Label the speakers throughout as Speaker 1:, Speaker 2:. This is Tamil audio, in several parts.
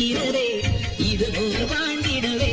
Speaker 1: வீரரே இது போல் வாழ்ந்திடவே.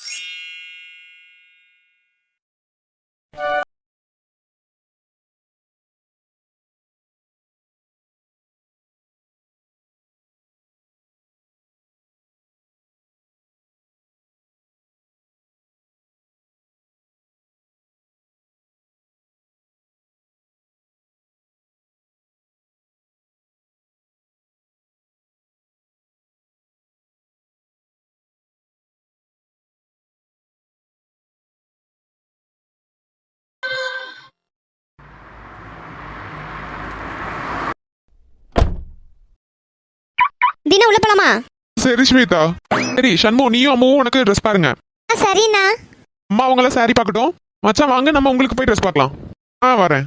Speaker 2: தினா உள்ள போலாமா?
Speaker 3: சரி ஸ்வேதா. சரி சண்முகம், நீயும் அம்மாவும் உனக்கு ட்ரெஸ் பாருங்க.
Speaker 2: சரிண்ணா.
Speaker 3: அம்மா அவங்கள சாரி பார்க்கட்டும். மச்சான் வாங்க, நம்ம உங்களுக்கு போய் ட்ரெஸ் பார்க்கலாம். வரேன்.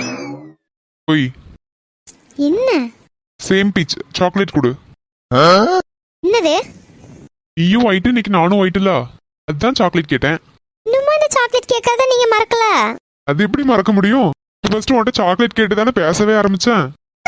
Speaker 3: போய்
Speaker 2: என்ன
Speaker 3: சேம் பீச் சாக்லேட் கொடு.
Speaker 2: என்னது?
Speaker 3: நீயும் ஒயிட், இன்னைக்கு நானும் ஒயிட்ல, அதுதான் சாக்லேட் கேட்டேன்.
Speaker 2: இன்னுமா இந்த சாக்லேட் கேட்காத நீங்க மறக்கல?
Speaker 3: அது எப்படி மறக்க முடியும்? ஃபர்ஸ்ட் உன்கிட்ட சாக்லேட் கேட்டு தானே பேசவே ஆரம்பிச்சேன்.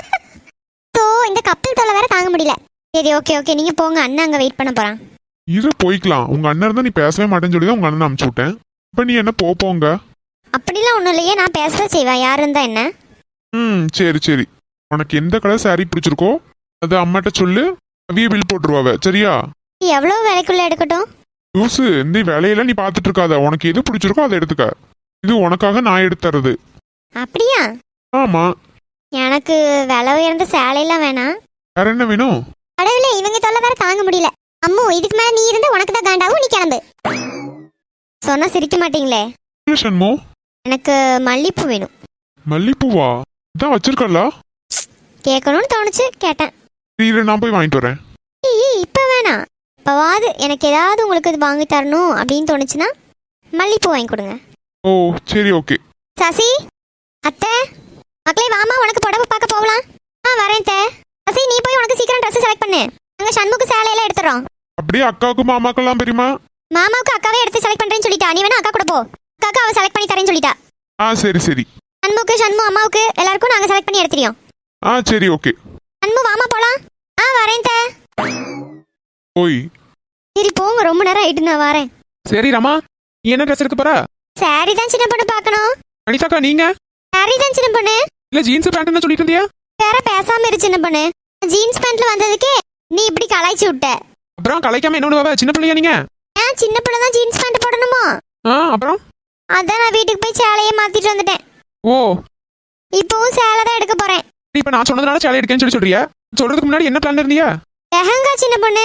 Speaker 2: இந்த கப்பல் தொலை வேற தாங்க முடியல. சரி ஓகே ஓகே, நீங்க போங்க, அண்ணன் அங்க வெயிட் பண்ண போறான்.
Speaker 3: இரு போய்க்கலாம். உங்க அண்ணன் இருந்தா நீ பேசவே மாட்டேன்னு சொல்லி தான் உங்க அண்ணன் அனுப்பிச்சு விட்டேன். இப்ப நீ என்ன போங்க?
Speaker 2: அப்படிலாம் ஒண்ணும் இல்லையே, நான் பேசதான் செய்வேன், யாரு இருந்தா என்ன.
Speaker 3: சரி சரி. உனக்கு எந்த கலர் சாரி பிடிச்சிருக்கோ அது அம்மாட்ட சொல்லு, அவிய பில் போட்டுருவாவ. சரியா?
Speaker 2: எவ்வளவு விலைக்குள்ள எடுக்கட்டும்?
Speaker 3: யூசு, இந்த வேலையெல்லாம் நீ பாத்துட்டு இருக்காத. உனக்கு எது பிடிச்சிருக்கோ அதை எடுத்துக்க. இது உனக்காக நான் எடுத்துறது.
Speaker 2: அப்படியா?
Speaker 3: ஆமா.
Speaker 2: எனக்கு விலை உயர்ந்த சேலையெல்லாம் வேணாம்.
Speaker 3: வேற என்ன வேணும்?
Speaker 2: கடவுளே, இவங்க தொல்லை வேற தாங்க முடியல. அம்மு, இதுக்கு மேல நீ இருந்தா உனக்கு தான் காண்டாவும், நீ கிளம்பு. சொன்னா சிரிக்க மாட்டீங்களே.
Speaker 3: சண்மோ,
Speaker 2: எனக்கு மல்லிப்பூ வேணும்.
Speaker 3: மல்லிப்பூவா? இதான் வச்சிருக்கல.
Speaker 2: கேட்கணும்னு தோணுச்சு, கேட்டேன்.
Speaker 3: இரு, நான் போய் வாங்கிட்டு வரேன்.
Speaker 2: இப்ப வேணாம், இப்பவாது எனக்கு ஏதாவது உங்களுக்கு இது வாங்கி தரணும் அப்படின்னு தோணுச்சுன்னா மல்லிப்பூ வாங்கி கொடுங்க.
Speaker 3: ஓ சரி ஓகே.
Speaker 2: சசி, அத்தை, மக்களே வாமா, உனக்கு புடவை பார்க்க போகலாம். வரேன் தே. சசி, நீ போய் உனக்கு சீக்கிரம் ட்ரெஸ் செலக்ட் பண்ணு. நாங்க சண்முக்கு சேலையெல்லாம் எடுத்துறோம்.
Speaker 3: அப்படியே அக்காவுக்கு மாமாக்கெல்லாம் பெரியமா?
Speaker 2: மாமாவுக்கு அக்காவே எடுத்து செலக்ட் பண்றேன்னு சொல்லிட்டா. நீ வேணா அக்கா கூட போ, அக்காக்கு அவ செலக்ட் பண்ணி தரேன்னு சொல்லிட்டா.
Speaker 3: சரி சரி.
Speaker 2: சண்மு அம்மாவுக்கு எல்லாருக்கும் நாங்க செலக்ட் பண்ணி எடுத்துறோம்.
Speaker 3: சரி ஓகே.
Speaker 2: சண்மு வாமா போலாம். வரேன் தே.
Speaker 3: போய்.
Speaker 2: சரி போங்க, ரொம்ப நேரம் ஆயிட்டு, நான் வரேன்.
Speaker 3: சரி ரமா, நீ என்ன ட்ரெஸ் எடுக்க போற?
Speaker 2: சாரி தான் சின்ன பொண்ணு பார்க்கணும்.
Speaker 3: அனிதாக்கா நீங்க?
Speaker 2: சாரி தான் சின்ன பொண்ணு.
Speaker 3: இல்ல ஜீன்ஸ் பேண்ட் சொல்லிட்டு இருந்தியா?
Speaker 2: வேற பேசாம இரு சின்ன பொண்ணு. ஜீன்ஸ் பேண்ட்ல வந்ததுக்கே நீ இப்படி கலாய்ச்சி விட்ட.
Speaker 3: அப்புறம் கலாய்க்காம என்ன சின்ன பிள்ளையா நீங்க?
Speaker 2: சின்ன பிள்ளை தான் ஜீன்ஸ் பேண்ட் போடணுமா?
Speaker 3: அப்புறம்
Speaker 2: அதான் நான் வீட்டுக்கு போய் சேலையை மாத்திட்டு வந்துட்டேன்.
Speaker 3: ஓ,
Speaker 2: இப்பவும் சேலை தான் எடுக்க போறேன்.
Speaker 3: இப்ப நான் சொன்னதுனால சேலை எடுக்கேன்னு சொல்லி சொல்றியா? சொல்றதுக்கு முன்னாடி என்ன பிளான் இருந்தியா?
Speaker 2: லெஹங்கா சின்ன பொண்ணு.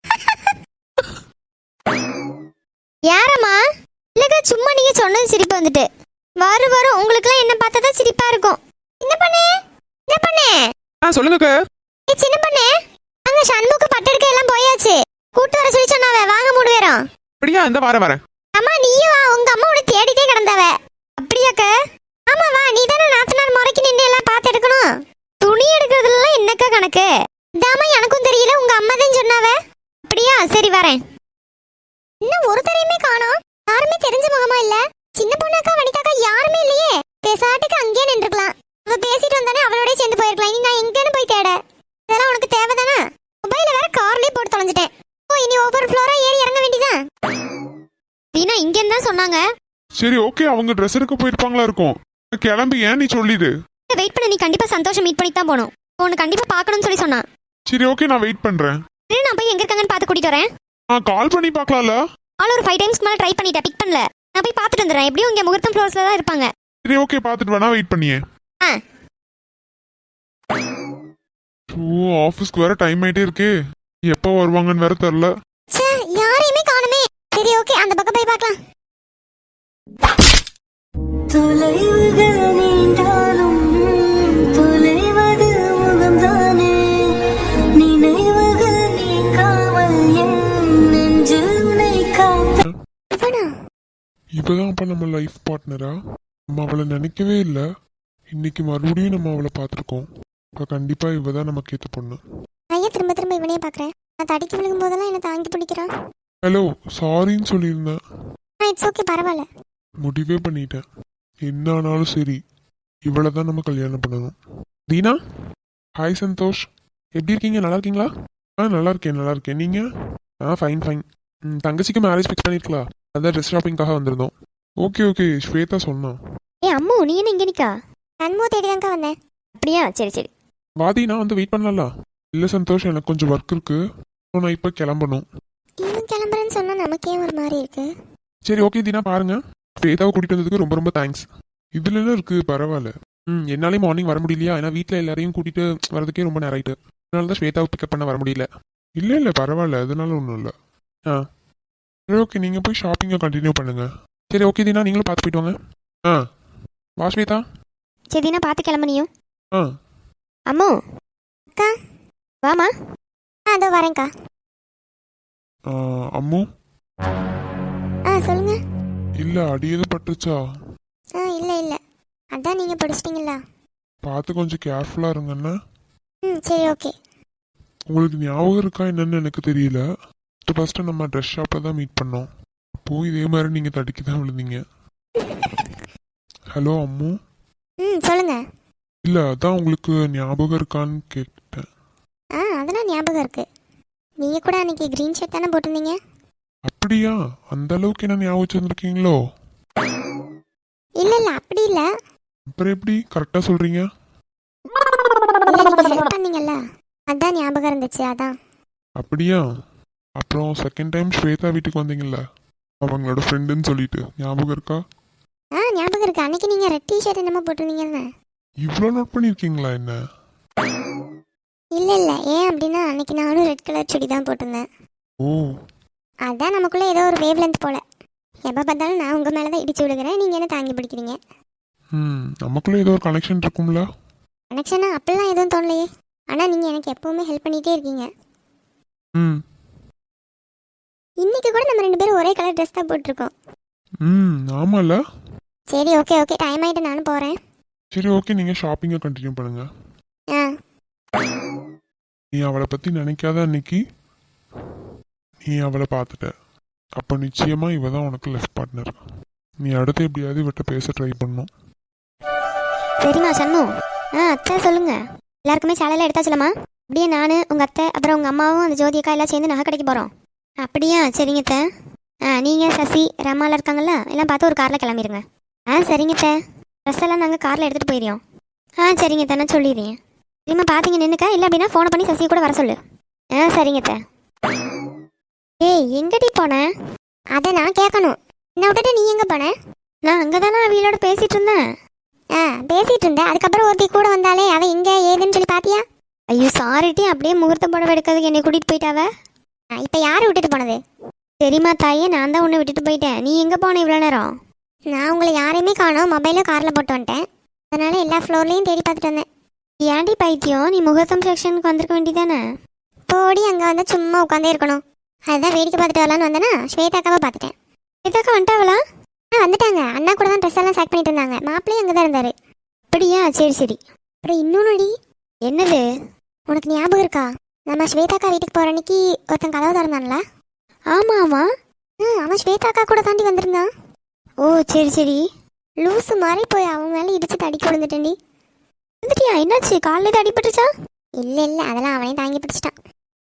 Speaker 2: யாரம்மா? இல்லக்கா, சும்மா நீங்க சொன்னது சிரிப்பு வந்துட்டு. வரும் உங்களுக்குலாம் என்ன பார்த்தா தான் சிரிப்பா இருக்கும். என்ன பண்ணு என்ன பண்ணு?
Speaker 3: சொல்லுங்க.
Speaker 2: சின்ன பொண்ணு, அங்க சண்முக்கு பட்டெடுக்க எல்லாம் போயாச்சு. கூட்டு வர சொல்லி சொன்னாவ, வாங்க மூணு பேரும்.
Speaker 3: அப்படியா? இந்த வரேன்.
Speaker 2: அம்மா நீயும் வா, உங்க அம்மா உன்னை தேடிட்டே கிடந்தாவ. அப்படியாக்க? ஆமா வா, நீ தானே நாத்தனார் முறைக்கு நின்று எல்லாம் பார்த்து எடுக்கணும். துணி எடுக்கிறதுலாம் என்னக்கா கணக்கு? இதாமா எனக்கும் தெரியல, உங்க அம்மா தான் சொன்னாவ. அப்படியா? சரி வரேன். இன்னும் ஒருத்தரையுமே காணோம். யாருமே தெரிஞ்ச முகமா இல்ல. சின்ன பொண்ணாக்கா வனிதாக்கா யாருமே இல்லையே. பேசாட்டுக்கு அங்கேயே நின்றுக்கலாம். அவ பேசிட்டு வந்தானே அவளோட சேர்ந்து போயிருக்கலாம். இனி நான் எங்கன்னு போய் தேட? இதெல்லாம் உனக்கு தேவைதானே? மொபைல வேற கார்லயே போட்டு தொலைஞ்சிட்டேன். இனி ஒவ்வொரு ஃப்ளோரா ஏறி இறங்க வேண்டியதான். தீனா இங்க என்ன சொன்னாங்க?
Speaker 3: சரி ஓகே, அவங்க ட்ரெஸ் எடுக்க போயிருப்பாங்களா இருக்கும். கிளம்பி ஏன் நீ சொல்லிடு.
Speaker 2: வெயிட் பண்ண, நீ கண்டிப்பா சந்தோஷம் மீட் பண்ணி தான் போணும். உன்னை கண்டிப்பா பார்க்கணும்னு சொல்லி சொன்னான்.
Speaker 3: சரி ஓகே, நான் வெயிட் பண்றேன்.
Speaker 2: நான் போய் எங்க இருக்காங்கன்னு பார்த்து கூட்டிட்டு வரேன்.
Speaker 3: கால் பண்ணி பார்க்கலாம்ல?
Speaker 2: ஆல் ஒரு 5 டைம்ஸ்க்கு மேல ட்ரை பண்ணிட்டேன், பிக் பண்ணல. நான் போய் பார்த்துட்டு வந்துடுறேன். எப்படியும் இங்க முகூர்த்தம் ஃப்ளோர்ஸ்ல தான் இருப்பாங்க.
Speaker 3: சரி ஓகே, பார்த்துட்டு வேணா வெயிட் பண்ணியே. ஆஃபீஸ்க்கு வேற டைம் ஆயிட்டே இருக்கு. எப்போ வருவாங்கன்னு வேற தெரியல.
Speaker 2: யாரையுமே காணுமே. சரி ஓகே, அந்த பக்கம் போய் பார்க்கலாம்.
Speaker 1: தொலைவுகள் நீண்டாலும் தொலைவது முகம்தானே. நினைவுகள் நீங்காமல் என் நெஞ்சில் உன்னை காப்ப.
Speaker 3: இப்பதான் அப்ப நம்ம லைஃப் பார்ட்னரா? நம்ம அவளை நினைக்கவே இல்லை. இன்னைக்கு மறுபடியும் நம்ம அவளை பார்த்துருக்கோம். இப்போ கண்டிப்பா இவதான் நமக்கு ஏற்ற பொண்ணு.
Speaker 2: நான் திரும்ப திரும்ப இவனே பார்க்குறேன். நான் தடிக்கு விழுகும் போதெல்லாம் என்னை தாங்கி பிடிக்கிறான்.
Speaker 3: ஹலோ, சாரின்னு சொல்லியிருந்தேன்.
Speaker 2: இட்ஸ் ஓகே, பரவாயில்ல.
Speaker 3: முடிவே பண்ணிட்டேன். என்ன ஆனாலும் சரி, இவளை தான் நம்ம கல்யாணம் பண்ணணும். தீனா, ஹாய் சந்தோஷ், எப்படி இருக்கீங்க? நல்லா இருக்கீங்களா? நல்லா இருக்கேன் நீங்கள்? Fine fine. தங்கச்சிக்கு மேரேஜ் ஃபிக்ஸ் பண்ணிருக்கலாம். அதான் ட்ரெஸ் ஷாப்பிங்காக வந்திருந்தோம். ஓகே ஸ்வேதா சொன்னா.
Speaker 2: ஏ அம்மு நீ என்ன இங்கே நிக்கா? நன்மோ தேடிதான்க்கா வந்தேன். அப்படியா, சரி சரி.
Speaker 3: வாதி, நான் வந்து வெயிட் பண்ணல. இல்லை சந்தோஷ், எனக்கு கொஞ்சம் ஒர்க் இருக்கு. நான் இப்போ கிளம்பணும்.
Speaker 2: இவன் கிளம்புறேன்னு சொன்னா நமக்கே ஒரு மாதிரி இருக்கு.
Speaker 3: சரி ஓகே தீனா, பாருங்க. ஸ்வேதாவை கூட்டிட்டு வந்ததுக்கு ரொம்ப ரொம்ப தேங்க்ஸ். இதுல எல்லாம் இருக்கு, பரவாயில்ல. என்னாலே மார்னிங் வர முடியலையா, ஏன்னா வீட்டில் எல்லாரையும் கூட்டிட்டு வரதுக்கே ரொம்ப நேரம் ஆயிட்டு. அதனால தான் ஸ்வேதாவை பிக்கப் பண்ண வர முடியல. இல்லை பரவாயில்ல, அதனால ஒன்றும் இல்லை. சரி ஓகே, நீங்கள் போய் ஷாப்பிங்கை கண்டினியூ பண்ணுங்க. சரி ஓகே தீனா, நீங்களும் பார்த்து போயிட்டு வாங்க. வா ஸ்வேதா.
Speaker 2: சரி தீனா, பார்த்து கிளம்புனியும்.
Speaker 3: ஆ
Speaker 2: அம்மு அக்கா வாமா. அதோ வரேன்க்கா.
Speaker 3: அம்மு.
Speaker 2: சொல்லுங்க.
Speaker 3: இல்லை அடி எதுவும் பட்டுருச்சா?
Speaker 2: இல்லை அதான் நீங்கள் படிச்சிட்டிங்களா?
Speaker 3: பார்த்து கொஞ்சம் கேர்ஃபுல்லாக இருங்கண்ணா.
Speaker 2: சரி ஓகே.
Speaker 3: உங்களுக்கு ஞாபகம் இருக்கா என்னன்னு எனக்கு தெரியல. ஃபர்ஸ்ட் நம்ம ட்ரெஸ் ஷாப்பில் தான் மீட் பண்ணோம். அப்போ இதே மாதிரி நீங்கள் தடுக்கி தான் விழுந்தீங்க. ஹலோ அம்மு.
Speaker 2: சொல்லுங்க.
Speaker 3: இல்லை அதான் உங்களுக்கு ஞாபகம் இருக்கான்னு கேட்டேன்.
Speaker 2: அதெல்லாம் ஞாபகம் இருக்கு. நீங்கள் கூட அன்னைக்கு க்ரீன் ஷர்ட் தானே போட்டிருந்தீங்க? அப்படியா?
Speaker 3: அந்த அளவுக்கு என்ன ஞாபகம் வச்சுருந்துருக்கீங்களோ?
Speaker 2: இல்லை அப்படி இல்லை.
Speaker 3: அப்புறம் எப்படி கரெக்டாக சொல்கிறீங்க?
Speaker 2: பண்ணீங்கல்ல, அதான் ஞாபகம் இருந்துச்சு. அதான்.
Speaker 3: அப்படியா? அப்புறம் செகண்ட் டைம் ஸ்வேதா வீட்டுக்கு வந்தீங்கல்ல, அவங்களோட ஃப்ரெண்டுன்னு சொல்லிட்டு, ஞாபகம் இருக்கா?
Speaker 2: ஞாபகம் இருக்கு. அன்னைக்கு நீங்கள் ரெட் டிஷர்ட் என்னமோ போட்டிருந்தீங்கன்னு.
Speaker 3: இவ்வளோ நோட் பண்ணியிருக்கீங்களா என்ன?
Speaker 2: இல்லை ஏன் அப்படின்னா அன்னைக்கு நானும் ரெட் கலர் சுடி தான் போட்டிருந்தேன்.
Speaker 3: ஓ,
Speaker 2: அதான் நமக்குள்ளே ஏதோ ஒரு வேவ் லென்த் போல. எப்போ பார்த்தாலும் நான் உங்கள் மேலே தான் இடிச்சு விழுகிறேன், நீங்கள் என்ன தாங்கி பிடிக்கிறீங்க.
Speaker 3: நமக்குள்ளே ஏதோ ஒரு கனெக்ஷன் இருக்கும்ல?
Speaker 2: கனெக்ஷனா அப்படிலாம் எதுவும் தோணலையே. ஆனால் நீங்கள் எனக்கு எப்போவுமே ஹெல்ப் பண்ணிகிட்டே இருக்கீங்க. இன்னைக்கு கூட நம்ம 2 பேரும் ஒரே கலர் ட்ரெஸ் தான் போட்டிருக்கோம்.
Speaker 3: ஆமாம்ல.
Speaker 2: சரி ஓகே டைம் ஆகிட்டு நானும் போகிறேன்.
Speaker 3: சரி ஓகே, நீங்கள் ஷாப்பிங்கை கண்டினியூ பண்ணுங்க. நீ அவளை பற்றி நினைக்காத அன்னைக்கு நீ அவளை பார்த்துட்ட. அப்போ நிச்சயமாக இவ தான் உனக்கு லெஃப்ட் பார்ட்னர். நீ அடுத்து எப்படியாவது இவட்ட பேச ட்ரை பண்ணும்.
Speaker 2: சரிம்மா சண்மு. அத்தை சொல்லுங்க. எல்லாருக்குமே சேலையில் எடுத்தா சொல்லுமா? அப்படியே நான் உங்கள் அத்தை அப்புறம் உங்கள் அம்மாவும் அந்த ஜோதி அக்கா எல்லாம் சேர்ந்து நகை கடைக்கு போகிறோம். அப்படியா? சரிங்க அத்தை. நீங்கள் சசி ரமாலாம் இருக்காங்கல்ல, எல்லாம் பார்த்து ஒரு காரில் கிளம்பிடுங்க. சரிங்க அத்தை. ட்ரெஸ் எல்லாம் நாங்கள் காரில் எடுத்துகிட்டு போயிடுறோம். சரிங்க அத்தை, நான் சொல்லிடுறேன். சரிம்மா பார்த்தீங்க நின்றுக்கா, இல்லை அப்படின்னா ஃபோனை பண்ணி சசியை கூட வர சொல்லு. சரிங்க அத்தை. ஏய் எங்கடி போனேன்? அதை நான் கேட்கணும். என்ன விட்டுட்டு நீ எங்கே போன? நான் அங்கே தானே அவளோட பேசிகிட்டு இருந்தேன். பேசிகிட்டு இருந்தேன். அதுக்கப்புறம் ஒருத்தி கூட வந்தாலே அவள் எங்கே ஏதுன்னு சொல்லி பார்த்தியா? ஐயோ சாரிட்டி, அப்படியே முகூர்த்த புடவை எடுக்கிறதுக்கு என்னை கூட்டிகிட்டு போயிட்டாவ. இப்போ யார் விட்டுட்டு போனது? சரிம்மா தாயே, நான் தான் உன்னை விட்டுட்டு போயிட்டேன். நீ எங்கே போன இவ்வளோ நேரம்? நான் உங்களை யாரையுமே காணோம், மொபைலும் காரில் போட்டு வந்துட்டேன். அதனால் எல்லா ஃப்ளோர்லேயும் தேடி பார்த்துட்டு வந்தேன். ஏன்டி பைத்தியம், நீ முகூர்த்தம் செக்ஷனுக்கு வந்திருக்க வேண்டியதானே? போடி, அங்கே வந்து சும்மா உட்காந்தே இருக்கணும். அதுதான் வேடிக்கை பார்த்துட்டு வரலான்னு வந்தேன்னா ஸ்வேதாக்காவை பார்த்துட்டேன். ஸ்வேதாக்கா வந்துட்டாவளா? வந்துட்டாங்க. அண்ணா கூட தான் ட்ரெஸ் எல்லாம் செக் பண்ணிட்டு இருந்தாங்க. மாப்பிள்ளையும் அங்கே தான் இருந்தார். அப்படியா? சரி. அப்புறம் இன்னொன்னுடி. என்னது? உனக்கு ஞாபகம் இருக்கா? நம்ம ஸ்வேதாக்கா வீட்டுக்கு போகிற அன்னைக்கு ஒருத்தன் கதவு திறந்தான்ல? ஆமாம் அவன் ஸ்வேதாக்கா கூட தாண்டி வந்திருந்தான். ஓ சரி. லூஸு மாதிரி போய் அவன் மேலே இடிச்சு தடிக்க விழுந்துட்டேன்டி. வந்துட்டியா? என்னாச்சு? காலையில் தான் அடிபட்டுச்சா? இல்லை அதெல்லாம் அவனே தாங்கி பிடிச்சிட்டான்.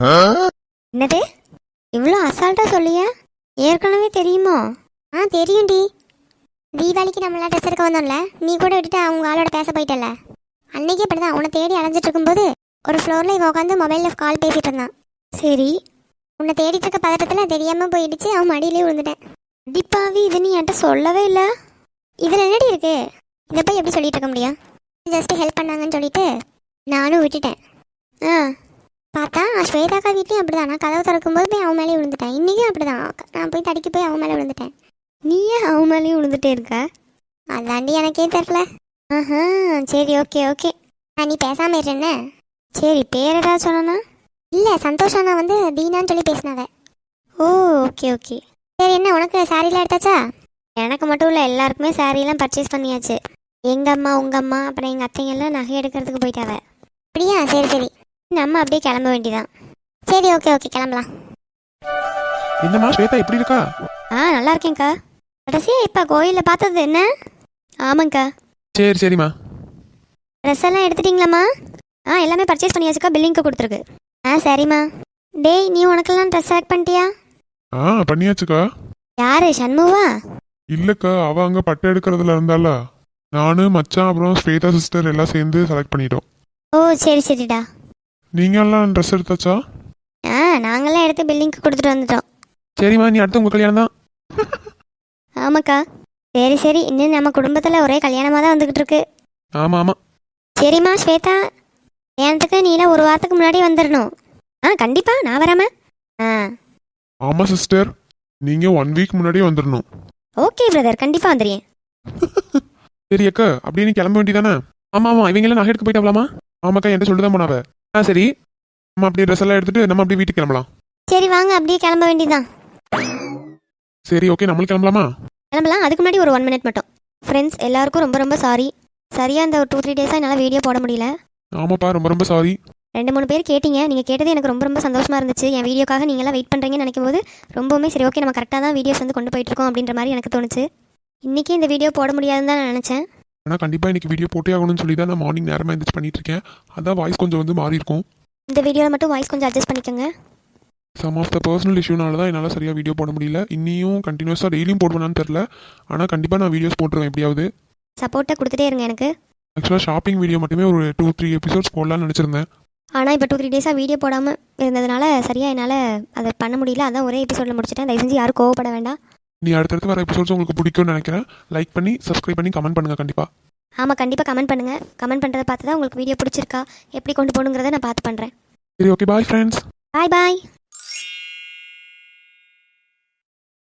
Speaker 2: என்னது இவ்வளோ அசால்ட்டாக சொல்லியா? ஏற்கனவே தெரியுமோ? தெரியும்டி. தீபாவளிக்கு நம்மளாம் ட்ரெஸ் எடுக்க வந்தோம்ல, நீ கூட விட்டுட்டு அவங்க ஆளோட பேச போயிட்டல. அன்னைக்கே அப்படி தான் உன்னை தேடி அலைஞ்சிட்டு இருக்கும்போது ஒரு ஃப்ளோரில் இவன் உட்காந்து மொபைலில் கால் பேசிகிட்டு இருந்தான். சரி, உன்னை தேடிட்டு இருக்க பதட்டத்தில் தெரியாமல் போயிடுச்சு, அவன் மடியிலே விழுந்துட்டேன். அடிப்பாவி, இது நீ என்கிட்ட சொல்லவே இல்லை. இதில் என்னடி இருக்கு? இதை போய் எப்படி சொல்லிட்டு இருக்க முடியும்? ஜஸ்ட்டு ஹெல்ப் பண்ணாங்கன்னு சொல்லிட்டு நானும் விட்டுட்டேன். பார்த்தா ஸ்வேதாக்கா வீட்லையும் அப்படி தான். நான் கதவு திறக்கும்போது போய் அவன் மேலே விழுந்துட்டேன். இன்றைக்கும் அப்படி தான். நான் போய் தடுக்கி போய் அவன் மேலே விழுந்துட்டேன். நீயே அவன் மேலேயும் விழுந்துட்டே இருக்க? அதாண்டி எனக்கே தெரில. சரி ஓகே. நீ பேசாமல் இருஎன்ன? சரி, பேர் ஏதாவது சொன்னா? இல்லை, சந்தோஷம். நான் வந்து தீனான்னு சொல்லி பேசினாவ. ஓ ஓகே. சரி, என்ன உனக்கு சாரீலாம் எடுத்தாச்சா? எனக்கு மட்டும் இல்லை, எல்லாருக்குமே சாரீலாம் பர்ச்சேஸ் பண்ணியாச்சு. எங்கள் அம்மா, உங்கள் அம்மா, அப்புறம் எங்கள் அத்தைங்கெல்லாம் நகை எடுக்கிறதுக்கு போயிட்டாவ. அப்படியா? சரி. நம்ம அப்படியே கிளம்ப வேண்டியதான். சரி ஓகே கிளம்பலாம்.
Speaker 3: என்னம்மா ஸ்வேதா எப்படி இருக்கா?
Speaker 2: நல்லா இருக்கேன்க்கா. கடைசியா இப்போ கோயிலில் பார்த்தது என்ன? ஆமாங்க்கா.
Speaker 3: சரிம்மா.
Speaker 2: ட்ரெஸ் எல்லாம் எடுத்துட்டிங்களாம்மா? எல்லாமே பர்ச்சேஸ் பண்ணியாச்சுக்கா, பில்லிங்க்கு கொடுத்துருக்கு. சரிம்மா. டேய் நீ உனக்கெல்லாம் ட்ரெஸ் செலக்ட் பண்ணிட்டியா?
Speaker 3: பண்ணியாச்சுக்கா.
Speaker 2: யாரு சண்முகா?
Speaker 3: இல்லக்கா, அவ அங்க பட்டை எடுக்கிறதுல இருந்தால நானு மச்சான் அப்புறம் ஸ்வேதா சிஸ்டர் எல்லாம் சேர்ந்து செலக்ட் பண்ணிட்டோம்.
Speaker 2: ஓ சரி சரிடா.
Speaker 3: நீங்க எல்லாம் ட்ரெஸ் எடுத்தாச்சா?
Speaker 2: நாங்களாம் எடுத்து பில்லிங்க்கு கொடுத்துட்டு வந்துட்டோம்.
Speaker 3: சரிம்மா, நீ அடுத்து உங்க கல்யாணம் தான்.
Speaker 2: ஆமாக்கா. சரி சரி, இன்னும் நம்ம குடும்பத்தில் ஒரே கல்யாணமாக தான் வந்துக்கிட்டு இருக்கு.
Speaker 3: ஆமா ஆமா.
Speaker 2: சரிம்மா ஸ்வேதா, கல்யாணத்துக்கு நீலாம் ஒரு வாரத்துக்கு முன்னாடி வந்துடணும். கண்டிப்பா நான் வராம.
Speaker 3: ஆமா சிஸ்டர், நீங்க 1 வீக் முன்னாடியே வந்துடணும்.
Speaker 2: ஓகே பிரதர், கண்டிப்பா வந்துடுறேன்.
Speaker 3: சரி அக்கா, அப்படியே நீ கிளம்ப வேண்டியதானே? ஆமா ஆமா, இவங்க எல்லாம் நகை எடுக்க போயிட்டாவலாமா? ஆமாக்கா, என்கிட்ட சொல்லிதான் போனாவ. சரி, நம்ம அப்படியே ட்ரெஸ் எல்லாம் எடுத்துட்டு நம்ம அப்படியே வீட்டுக்கு கிளம்பலாம்.
Speaker 2: சரி வாங்க, அப்படியே கிளம்ப வேண்டியதுதான்.
Speaker 3: சரி ஓகே, நம்மளும் கிளம்பலாமா?
Speaker 2: கிளம்பலாம். அதுக்கு முன்னாடி ஒரு 1 மினிட் மட்டும். ஃப்ரெண்ட்ஸ் எல்லாருக்கும் ரொம்ப ரொம்ப சாரி. சரியா இந்த ஒரு 2-3 டேஸாக என்னால் வீடியோ போட முடியல.
Speaker 3: ஆமாப்பா, ரொம்ப ரொம்ப சாரி.
Speaker 2: 2-3 பேர் கேட்டீங்க. நீங்கள் கேட்டது எனக்கு ரொம்ப ரொம்ப சந்தோஷமாக இருந்துச்சு. என் வீடியோக்காக நீங்களாம் வெயிட் பண்ணுறீங்கன்னு நினைக்கும் போது ரொம்பவுமே சரி ஓகே, நம்ம கரெக்டாக தான் வீடியோஸ் வந்து கொண்டு போயிட்டுருக்கோம் அப்படின்ற மாதிரி எனக்கு தோணுச்சு. இன்றைக்கி இந்த வீடியோ போட முடியாதுன்னு தான் நான் நினச்சேன்.
Speaker 3: ஆனால் கண்டிப்பாக இன்றைக்கி வீடியோ போட்டே ஆகணும்னு சொல்லி தான் நான் மார்னிங் நேரமாக எழுந்திரிச்சு பண்ணிட்டு இருக்கேன். அதான் வாய்ஸ் கொஞ்சம் வந்து மாறி இருக்கும்.
Speaker 2: இந்த வீடியோவில் மட்டும் வாய்ஸ் கொஞ்சம் அட்ஜஸ்ட் பண்ணிக்கோங்க.
Speaker 3: சம் ஆஃப் த பர்சனல் இஷ்யூனால தான் என்னால் சரியாக வீடியோ போட முடியல. இன்னியும் கண்டினியூஸாக டெய்லியும் போடுவேனான்னு தெரில. ஆனால் கண்டிப்பாக நான் வீடியோஸ் போட்டுருவேன் எப்படியாவது.
Speaker 2: சப்போர்ட்டை கொடுத்துட்டே இருங்க எனக்கு.
Speaker 3: ஆக்சுவலாக ஷாப்பிங் வீடியோ மட்டுமே ஒரு 2-3 எபிசோட்ஸ் போடலான்னு நினச்சிருந்தேன்.
Speaker 2: ஆனால் இப்போ 2-3 டேஸாக வீடியோ போடாமல் இருந்ததுனால சரியாக என்னால் அதை பண்ண முடியல. அதான் ஒரே எபிசோடில் முடிச்சிட்டேன். தயவு செஞ்சு யாரும் கோவப்பட வேண்டாம்.
Speaker 3: நீ அடுத்தடுத்து வர எபிசோட்ஸ் உங்களுக்கு பிடிக்கும்னு நினைக்கிறேன். லைக் பண்ணி சப்ஸ்கிரைப் பண்ணி கமெண்ட் பண்ணுங்கள் கண்டிப்பாக.
Speaker 2: ஆமாம், கண்டிப்பாக கமெண்ட் பண்ணுங்கள். கமெண்ட் பண்ணுறதை பார்த்து தான் உங்களுக்கு வீடியோ பிடிச்சிருக்கா எப்படி கொண்டு போகணுங்கிறத நான் பார்த்து பண்ணுறேன்.
Speaker 3: சரி ஓகே, பாய் ஃப்ரெண்ட்ஸ்.
Speaker 2: பாய் பாய்.